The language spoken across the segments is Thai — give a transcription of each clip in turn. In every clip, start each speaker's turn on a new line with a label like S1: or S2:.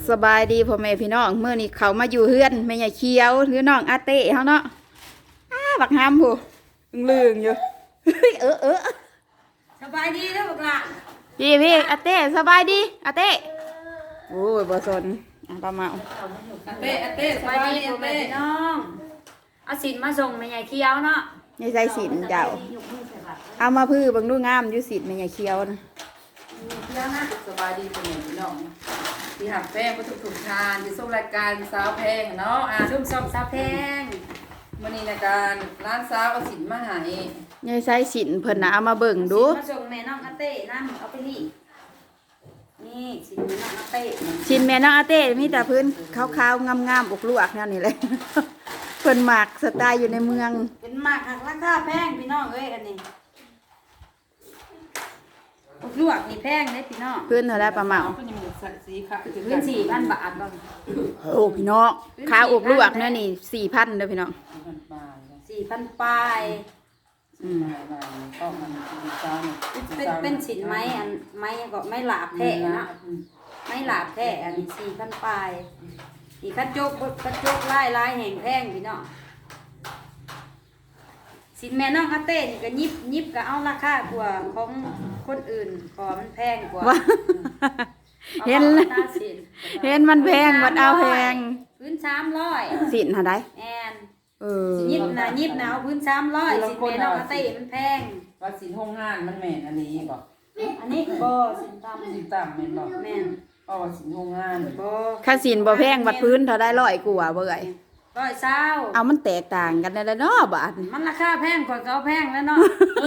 S1: สบายดีพ่อแม่พี่น้องเมื่อนี้เขามาอยู่เฮือนแม่ใหญ่เขียวหรือน้องอาเต้เขาเนาะบักฮามผู้ลืงอยู่
S2: สบายดีแล้วบักละ
S1: พี่อาเต้สบายดีอาเต้โอ้ยบ่สนปลาเมา
S2: อาเต้สบายดีพ่อแม่พี่น้องเอาสินมาส่งแม่ใหญ่เขียวเนาะ
S1: นี่ใส่สินเจ้าเอามาพื้บังดูงามอยู่สินแม่ใหญ่เขียวนะ
S3: สบายดีพ่อแม่พี่น้องที่หักแป้งก็ถูกทานที่ส่งรายการสาวแพงเนาะ
S2: ชุ่มส่งสาวแพง
S3: มื้อนี้ในการร้านสาวเอาสินมาให้
S1: นี่ใส่สินเพิ่นน่ะเอามาเบิ่งดู
S2: มาส่งแม่น้องอาเต้นั่นเอาไปนี่สินแม่น้องอาเต้
S1: สินแม่น้องอาเต้มีแต่พื้นขาวๆงามๆอกลวกแนวนี้เลยเพิ่นหมักสไตล์อยู่ในเมือง
S2: เป็นหมากหักราคาแพงพี่น้องเอ้ยอันนี้ลวกนี่แพงเลยพี่น้อง
S1: พื้นเท่าไรปลาเมา
S2: พื้น4,000 บาทบ้าง
S1: โอ้พี่น้องข้าวอกลวกเนี่ยนี่4,000เด้อพี่น้อง
S2: 4,000 ปลายเป็นสินไม้อันไม้ก็ไม่หลาบแท้นะไม่หลาบแท้อันนี้4,000 ปลายอีกกระจกลายแห่งแพงพี่น้องสินแม่น้องอาเต้นี่ก็ยิบก็เอาราคากว่าของคนอื่นพอมันแพงกว่า
S1: เห็นมันแพงมันเอาแพง
S2: พื้น300
S1: สินหาได้
S2: แอนยิบนะเอาพื้น300สินแม่น้องอาเต้มันแพง
S3: ว่าสินห้องงานมันแม่นอันนี้บ่
S2: อันนี้บ่สินต่
S3: ำแม่นบ่
S2: แม่น
S3: สินห้องงาน
S2: บ่
S1: ค่าสินบ่แพงบัดพื้นเท่าได้100กว่าเบ่ย
S2: 120
S1: เอามันแตกต่างกันได้แล้วเนาะบาท
S2: มันราคาแพงกว่าเก่าแพงแล้วเนาะ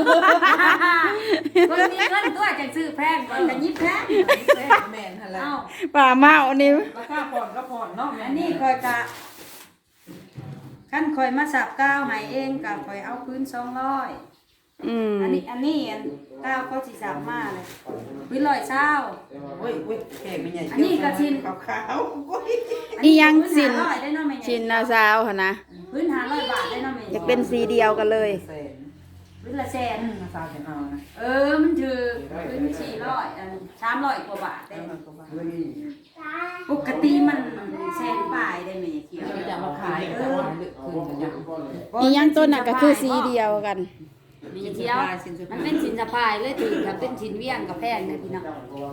S2: คนมีเงินตัวจะซื้อแพงกว่ากันยิบแพง
S3: แม่นหั่นล่ะ
S1: ป่าเมานี่
S3: ราคาผ่อนก็ผ่อนเนาะ
S2: อันนี้คอยกะขั้นคอยมาสับก้าวให้เองกับคอยเอาพื้น200อันนี้ก้าวเขาสิสับมาเลยพื้น120
S3: โอ้ยแขกไม่ใหญ่
S2: อันนี้ก็ชิน
S3: ขาว
S1: นี่ยังชินนาซาวค่ะนะ
S2: พื้น500 บาทได้เนาะแม่
S1: อยากเป็นสีเดียวกันเลย
S2: พื้นละแสน
S3: นาซาวจะเอานะ
S2: มันถือพื้น400 300 กว่าบาทได้ปกติมันแสนปลายได้ไหมเขียว
S3: จะมาขายคืน
S1: นี่ยังต้นน่ะก็คือสีเดียวกัน
S2: มีเที่ยวมันเป็นสินสะพายเลยถือกับเป็นสินเวียงกับแพงเลยพี่น้อง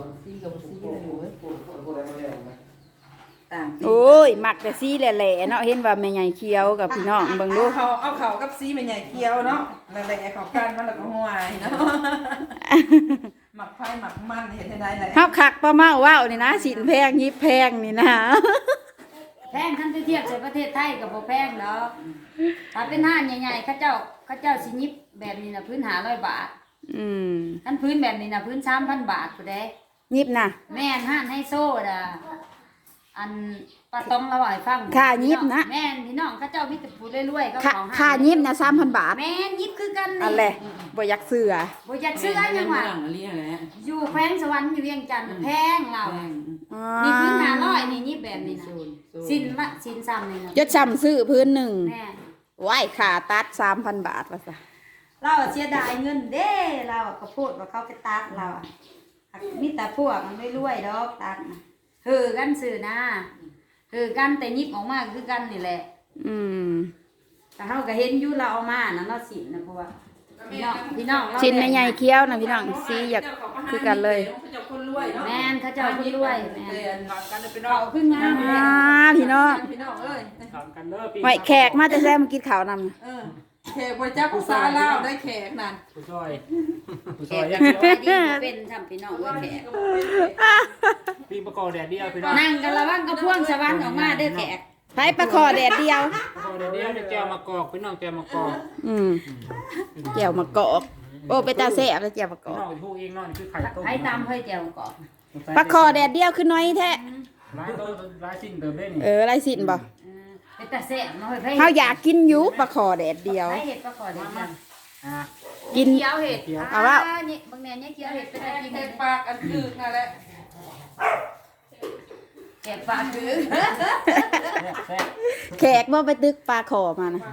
S1: โอ้ยมักแต่สีแหล่ๆเนาะเห็นว่าแม่ใหญ่เขียวกับพี่น้องเบิ่งดู
S3: เอาเขากับสีแม่ใหญ่เขียวเนาะแหล่ๆเขากันมันแล้วก็ห่วยเนาะหมักไผ่หมักมันเห็นได้เลย
S1: เฮาคักป้าเมาว้าวนี่นะสินแพงยิบแพงนี่นะ
S2: แพงคันเทียบใส่ประเทศไทยกับบ่แพงเนาะถ้าเป็นห้านใหญ่ๆเขาเจ้าสิยิบแบบนี้นะพื้น500 บาทคันพื้นแบบนี้นะพื้น3,000 บาทผู้ใด
S1: ยิบนะ
S2: แม่นห้านให้โซ่ด่ะอันปลาตองละให้ฟัง
S1: ค่ายิบนะ
S2: แม่นพี่น้องเขาเจ้ามีแต่ผู้รวยๆเขาของ
S1: ค่ายิบนะ3,000 บาท
S2: แม่นยิบคือกันนี่
S1: อันแหละบ่อยากเสือ
S2: ยังว่าอยู่แขวงสวรรค์อยู่เวียงจันทร์แพงเรานี่พื้น500นี่ยิบแบบนี้นะสินซ้ำนี่นะ
S1: จะซ้ำซื้อพื้นหนึ่งไหวขาตัด3,000 บาทว่าซะ
S2: เราเสียดายเงินเด้เราก็พูดว่าเขาไปตัดเรามีแต่พวกมันไม่รวยดอกตัดกันสื่อนะกันแต่ยิบออกมาคือกันนี่แหละแต่เขาก็เห็นอยู่เราเอามานะเนาะสินนะเพราะว่าพี่น้อง
S1: ชิ้นใหญ่เคี้ยวนะพี่น้องสีอยากคือกันเลย
S2: แม่นเขาเจ้าคนรวยแม่นเขาขึ้นงาม
S1: พี่น้องหอยแขกมาจะแซ่มากินข้าวนำ
S3: แขกพระเจ้าภาษาลาวได้แขกนั่น
S2: ผู้ซอยยังเป็นทำพี่น้องด้วยแขก
S4: ปีประกอบแดดเดียวพี่น้อง
S2: นั่งกันระวังกระพ่วงสวรรค์ออกมาเด้อแขก
S1: ไปประคอแดดเดียว
S4: ประกอบแดดเดียวแก้วมะกอกพี่น้องแก้วมะกอก
S1: แก้วมะกอกโอ้ไปตาแซ่บแล้วแก้วมะกอก
S4: น้องพูดเองน้องคือไข่ต้ม
S2: ไข่ตำไข่แก้วมะกอก
S1: ประคอแดดเดียวคือน้อยแท้
S4: ลายสิ่งเติมได้
S1: นี่ลายสิ่งบ่
S2: แต่แซ่บน้อย
S1: เขาอยากกินอยู่ประคอแดดเดียว
S2: เห็ดประคอแดดเดียว
S1: กิน
S2: เคี้ยวเห็ด
S1: เอาว่า
S2: บางแนวเนี่ยเคี้ยวเห็ดเป็นอะไรกิน
S3: เห็ดปากอันคือนั่นแหละ
S2: แขกปลาคือ
S1: แขกว่าไปตึกปลาขอมานะ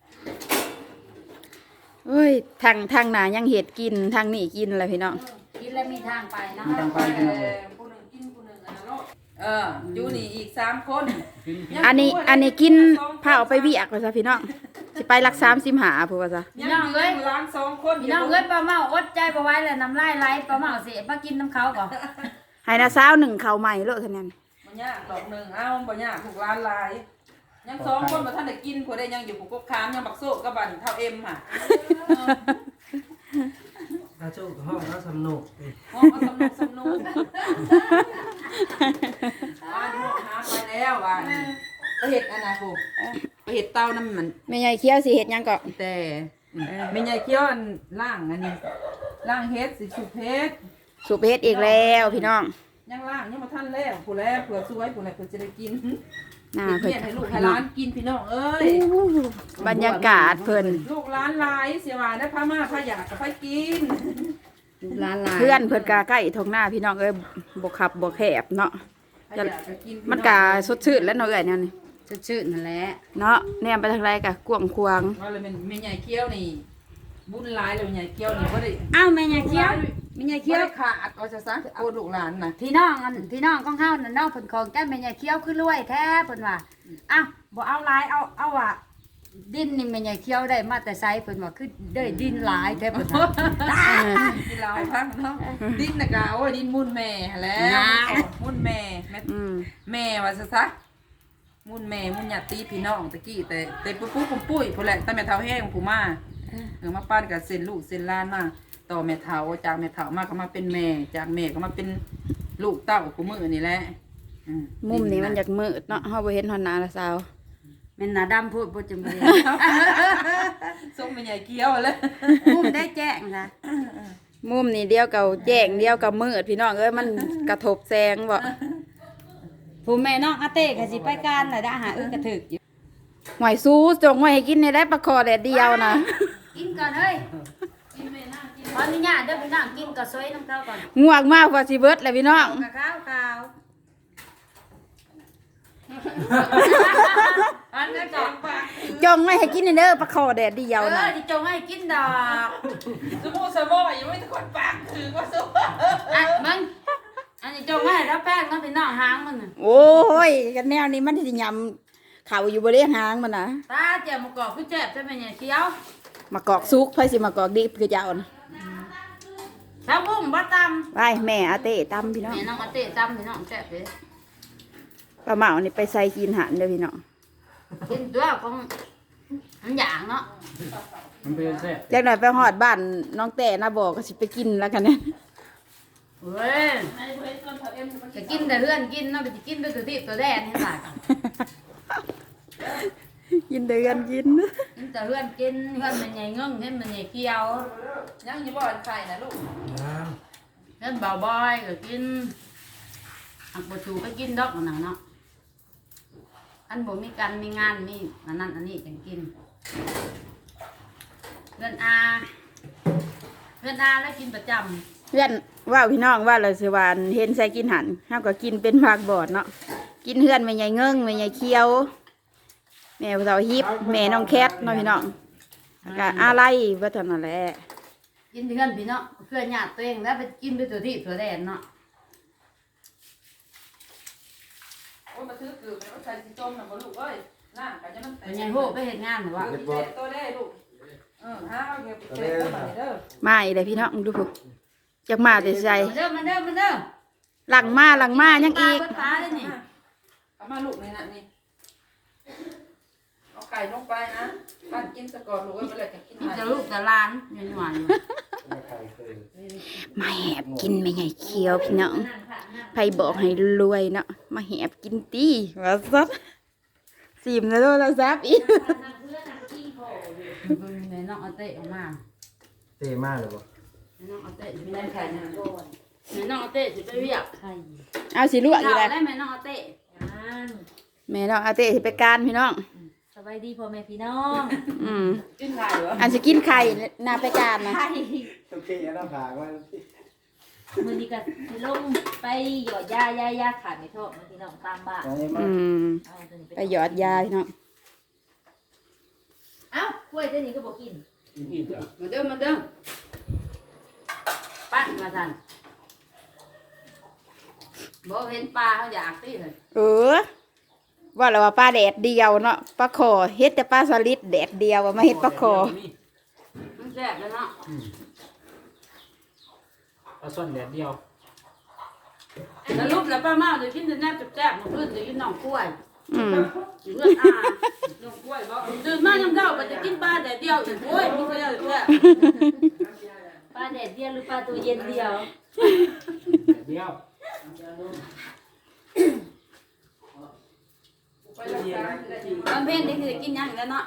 S1: เฮ้ยทางหนายังเห็ดกินทางนี่กินอะไรพี่น้อง
S2: นแล้วมีทางไปเนาะ
S3: ไปผู้หนึ่งกินผู้หนึ่งอันนั้นโลดอยู่นี่อีก3 คน
S1: อันนี้กินผ้าเอาไปเวียกว่าซะพี่น้องสิไปรัก35พุ่นว่าซะ
S3: พี่น้องเอ้ยล้าง2 คน
S2: พี่น้องเอ้ยปลาเมาอดใจบ่ไหว้เลยน้ำลายไหลปลาเมาสิมากินน้ำเขาก่อน
S1: ให้นะสาวหนึ่งข้าวใหม่โลดเท่านั้น
S3: บ่ยากดอกหนึ่งบ่ยากถูกร้านลายยัง2 คนบ่ทันได้กินผู้ใดยังอยู่ผู้กบคามยังบักโซกกับบันเท่าเอ็มค่ะ
S5: ถ้าโชคห้องแล้วสนุก
S3: ห้องสนุกบ้านห้องหาไปแล้วบ้านไปเห็ดอันนะครูไปเห็ดเต้าน้ำมัน
S1: แม่ใหญ่เคี้ยวสิเฮ็ดหยังก็
S3: แต่ไม่ใหญ่เคี้ยวอันล่างอันนี้ล่างเฮ็ดสิสุเพชร
S1: สูบเฮ็ดอีกแล้วพี่น้อง
S3: ยังล่างยังมาท่านแล้วผู้แล้วเผื่อสวยผู้แล้วเผื่อจะได้กิน
S1: น่า
S3: เพื่
S1: เพิ่น
S3: ให้ลูกให้ร้านกินพี่น้องเอ้ย
S1: บรรยากาศเพิ่น
S3: ลูกร้านลายเสียว่าได้พามาพาอยากกับพากิน
S2: ร้านลาย
S1: เพื่อนเพิ่นกาใกล้ท้องหน้าพี่น้องเอ้ยบ่ขับบ่แคบเนาะ
S3: พาอยากกับกิน
S1: มันกาสดชื่นแล้วเนาะเอ้ยแนวนี้
S2: ชื่นๆนั่นแหละ
S1: เนาะแนมไปทางไรกะกวางควาง
S3: ว่าเลยเป็นแม่ใหญ่เคี้ยวนี่บุญหลายเลยแม่ใหญ่เคี้ยวนี่บ่ได้
S2: อ้าวแม่ยายเคี้ยวแม่ยาย
S3: เคี้
S2: เคี้
S3: ย
S2: ยว ว
S3: ขาดเอาซะโอ้ลูกหลานน่ะ
S2: พี่น้องของเฮานั่นเนาะเพิ่นของแก้แม่ยายเคี้ยวคือรวยแท้เพิ่นว่าอ้าวบ่เอาหลายเอาว่าดินนี่แม่ยายเคี้ยวได้มาแต่ไสเพิ่นว่าคือได้ดินหลายแท้เพิ่นว่า
S3: กินเหล้าให้พังเนาะดินน่ะกะโอ้ยดินมุ่นแม่แล้ว
S2: นะ
S3: มุ่นแม่ แม่ว่าซะมุ่นแม่มุ่นญาติพี่น้องตะกี้แต่ปุ๊ปุ้ยพุ่นแหละแต่แม่เฒ่าแห้งผู้มามาปั้นกับเส้นลูกเส้นหล้านมาต่อแม่เฒ่าจากแม่เฒ่ามาก็มาเป็นแม่จากแม่ก็มาเป็นลูกเต้าผู้มื้อนี่แหละ
S1: มุมนี้มันอยากมืดเนาะเฮาบ่เห็นฮอดหน้าละสาว
S2: แม่นหน้าดำพูดบ่จำเป็น
S3: ส่งแม่ใหญ่เกี้ยวเลย
S2: มุมได้แจ้งนะ
S1: มุมนี้เดียวกับแจ้งเดียวกับมืดพี่น้องเอ้ยมันกระทบแสงบ่
S2: ผู้แม่น้องอาเต้ก็สิไปการน่ะได้หากระถึกอยู่
S1: หวยสู้จงไว้ให้กินในได้ปลาคอแดดเดียวนะ
S2: กินก่อนเฮ้ยขออนุญาตเด้อพี่น้องกินก็ซอยน้ำเขาก่อน
S1: ง่วงมากกว่าสิเบิดแหละพี่น้อง
S2: กะข้าวอันนี้ก่อน
S1: จงไว้ให้กินในเด้อปลาคอแดดเดียวนะ
S2: ที่จงให้กินดอก
S3: สมูสมอยังไม่ทุกคนปากคือว่าสม
S2: อ่ะมึงอันนี้จงให้แล้วแป้งน้องพี่น้องหางมันน่ะ
S1: โอ้ยกันแนวนี้มันสิยำเขาอยู่บ่ได้หางมันนะ
S2: ตาเจียวมะกอกคือแซ่บใช่ไหมเนี่ยเคี้ยว
S1: มากอกซุกไผสิมากอกดิบคือเจ้านะ
S2: ชาวบุ้งบ่ต
S1: ไว้แม่อาเต้ตำพี่
S2: ำ
S1: น้อง
S2: แม่น้องอาเต้ตำพี่น้องแซ่บเลย
S1: ปลาเหมานี่ไปใส่กินหันเด้อพี่น้อง
S2: กินตัวของมันอย่างเนาะ
S4: มันเป็นแซ่บ
S1: จักหน่อยไปฮอดบ้านน้องแต่นะบอกก็สิไปกินแล้วกันเนี่ย
S2: เว้ยจะกินแต่เพื่อนกินเนาะไปกินด้วยตัวที่ตัวแดนให้หลาย
S1: กินเดือนกิน
S2: กินแต่เพื่อนกินเพื่อนมันใหญ่เงึ้งเพื่อนมันใหญ่เกียว
S3: ยังอยู่บ่อนไข่นะลูก
S2: เพื่อนเบาบอยก็กินอักบชูก็กินดอกหนังเนาะอันบ่มีการมีงานมีอันนั้นอันนี้จังกินเพื่อนอาแล้วกินประจำ
S1: เพื่อนว่าพี่น้องว่าเราสิวานเห็นใส่กินหันเฮาก็กินเป็นภาคบอดเนาะกินเฮือนแม่ใหญ่เงิ้งแม่ใหญ่เคี้ยวแม่สาวฮิปแม่น้องแคทเนาะพี่น้องแล้วก็อะไรว่าเท่านั้นแหละ
S2: กินเพื่อนพี่เนาะเพื่อนญาติตัวเองแล้วไปกินด้วยตัวที่ตัวแดนเนาะ
S3: โอ้มาถือคือมันใส่สิต้มน่ะบ่ลูกเอ้ยน้ำก็จะมัน
S2: เป็นไงโหไปเห็นงานหรือวะ
S3: ตัวได้ลูกหาเอาเก็บเก็บตัวเด้อ
S1: มาอีกเลยพี่น้องดูพุ่นจักมาแต่ใจ
S2: มาเด้อมาเด้อมาเด้อ
S1: หลังมายังอีก
S2: ปลาเบิดปลาเลยนี่
S3: เอามาลูกนี่นะนี่เอาไก่ลงไปนะปั้นกินซะก่อนลูกเอ้ยบ่แล้วจะกิน
S2: นี่
S3: หา
S2: จะลูกจะหลานยันหวานอยู่
S1: มาแหบกินแม่ใหญ่เคี้ยวพี่น้องไผบอกให้รวยเนาะมาแหบกินตีว่าซัดซิมแล้วโทรศัพท์อีก
S2: แม่น้องเอาเตะออกมา
S5: เท่มากเลยบ่
S2: แม่น้องเอาเตะไม่ได้ไข่นะแม่น้องเอาเตะสิไปเรียกไข่
S1: เอาสิลวกอยู่
S2: ได้
S1: เลย
S2: แม่น้องเอาเตะ
S1: แม่น้องอาเต้สิไปการพี่น้อง
S2: สบายดีพ่อแม่พี่น้อง
S1: อืม
S3: กินไข่เหรอ
S1: อันสิกินไข่นาไปการนะ
S5: โอเคอันนั้นผ่าว่า
S6: มือนี้ก็สิลงไปหยอดยาขาดไม่โทษบางทีน้องตามบ้าน
S5: น้องเอ็ม
S1: อืม
S6: เอาตัวนี้
S1: ไปหยอดยาพี่น้อง
S6: เอ้ากล้วยตัวนี้ก็บอกกิน
S2: มาเด้อมาเด้อปั้นมาสั่นบ่เห็นปลาเขาอยากติเลย
S1: ว่าแล้วว่าปลาแดดเดียวเนาะปลาคอเฮ็ดแต่ปลาสลิดแดดเดียวว่ามาเฮ็ดปลาคอ
S2: มันแซ่บเลยเนาะ
S4: ปลาส้นแดดเดียว
S2: แล้วรูปแล้วป้าเมาจะกินแต่แนบแซ่บๆมันเพิ่นจะกินน้องกล้วย
S1: อืม
S2: เพื่อนอาน้องกล้วยบ่ตื่นมายังเช้าก็จะกินปลาแต่เดียวอีกโอ้ยมีก็เยอะแซ่บ
S6: ปลาแดดเดียวหรือปลาตัวเย็นเดียว
S4: แดดเดียว
S2: ตอนเพลนนี่คือกินหยังแล้วเนาะ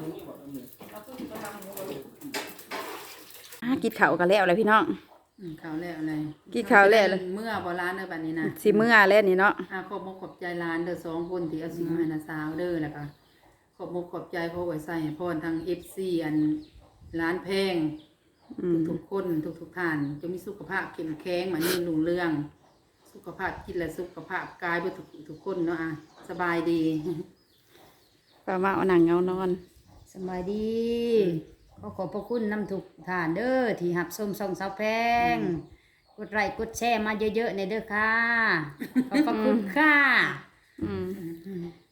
S1: กินข้าวกันแล้วเลยพี่น้อง
S3: ข้าวแล้วอะไร
S1: กินข้าวแล้วเลย
S3: เมื่อบ่ร้านเด้อบัดนี้นะ
S1: สิมื้อแล้วนี่เนาะ
S3: ขอบมกขอบใจร้านเด้อ2คนที่เอาสิ่งมาให้นาสาวเด้อแล้วก็ขอบมกขอบใจขอไว้ใส่ให้พรทาง FC อันร้านแพง ทุกๆคนทุกท่านจะมีสุขภาพเข้มแข็งมานี่รุ่งเรือง สุขภาพจิตและสุขภาพกายเพื่อทุกคนเนาะสบายดี
S1: ปลามาเอาหนังเงานอน
S2: สบายดีขอขอบพระคุณน้ำทุกท่านเด้อที่หับส้มส่องสาวแพงกดไลค์กดแชร์มาเยอะๆในเด้อค่ะขอบพระคุณค่ะ
S1: อืม